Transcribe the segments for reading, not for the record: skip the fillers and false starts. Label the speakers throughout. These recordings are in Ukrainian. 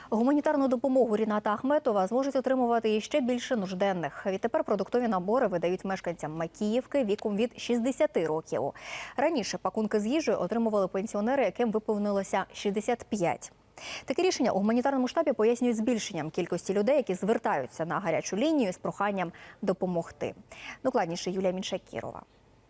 Speaker 1: Гуманітарну допомогу Ріната Ахметова зможуть отримувати і ще більше нужденних. Відтепер продуктові набори видають мешканцям Макіївки віком від 60 років. Раніше пакунки з їжею отримували пенсіонери, яким виповнилося 65. Таке рішення у гуманітарному штабі пояснюють збільшенням кількості людей, які звертаються на гарячу лінію з проханням допомогти. Докладніше Юлія Міншакірова.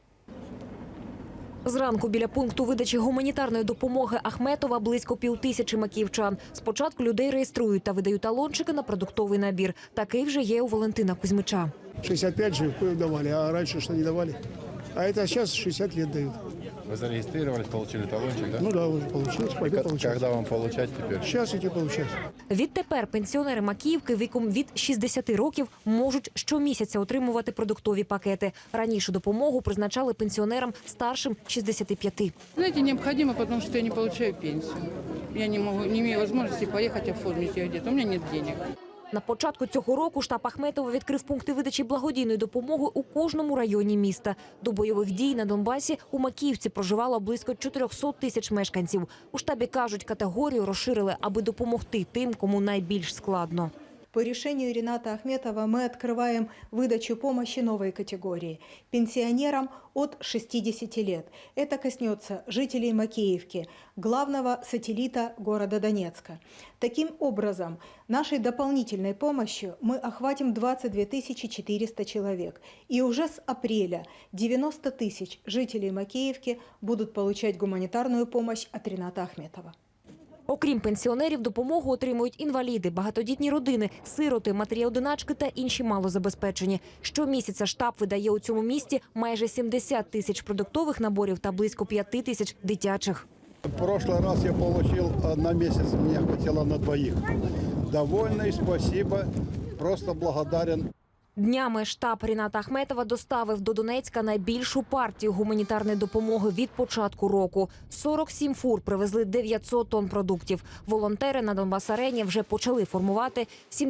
Speaker 2: Зранку біля пункту видачі гуманітарної допомоги Ахметова близько 5000 макіївчан. Спочатку людей реєструють та видають талончики на продуктовий набір. Такий вже є у Валентина Кузьмича.
Speaker 3: 65 же давали, а раньше что не давали. А это сейчас 60 лет дают.
Speaker 4: Вы зарегистрировались, получили талончик, да?
Speaker 3: Ну да, уже получилось, пойду получать.
Speaker 4: Когда вам получать теперь?
Speaker 3: Сейчас идти получать.
Speaker 2: Відтепер пенсіонери Макіївки віком від 60 років можуть щомісяця отримувати продуктові пакети. Раніше допомогу призначали пенсіонерам старшим 65.
Speaker 5: Знаете, необходимо, потому что я не получаю пенсию. Я не имею возможности поехать оформить ее где-то. У меня нет денег.
Speaker 2: На початку цього року штаб Ахметова відкрив пункти видачі благодійної допомоги у кожному районі міста. До бойових дій на Донбасі у Макіївці проживало близько 400 тисяч мешканців. У штабі кажуть, категорію розширили, аби допомогти тим, кому найбільш складно.
Speaker 6: По решению Рината Ахметова мы открываем выдачу помощи новой категории – пенсионерам от 60 лет. Это коснется жителей Макеевки, главного сателлита города Донецка. Таким образом, нашей дополнительной помощью мы охватим 22 400 человек. И уже с апреля 90 тысяч жителей Макеевки будут получать гуманитарную помощь от Рината Ахметова.
Speaker 2: Окрім пенсіонерів, допомогу отримують інваліди, багатодітні родини, сироти, матері-одиначки та інші малозабезпечені. Щомісяця штаб видає у цьому місті майже 70 тисяч продуктових наборів та близько 5 тисяч дитячих.
Speaker 7: В прошлый раз я получил на месяц, мне хватило на двоих. Довольный, спасибо, просто благодарен.
Speaker 2: Днями штаб Ріната Ахметова доставив до Донецька найбільшу партію гуманітарної допомоги від початку року. 47 фур привезли 900 тонн продуктів. Волонтери на Донбас-арені вже почали формувати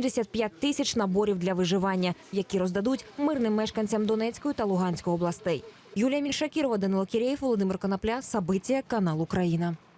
Speaker 2: 75 тисяч наборів для виживання, які роздадуть мирним мешканцям Донецької та Луганської областей. Юлія Міншакірова, Данило Кірєєв, Володимир Конопля, Сабиття, канал Україна.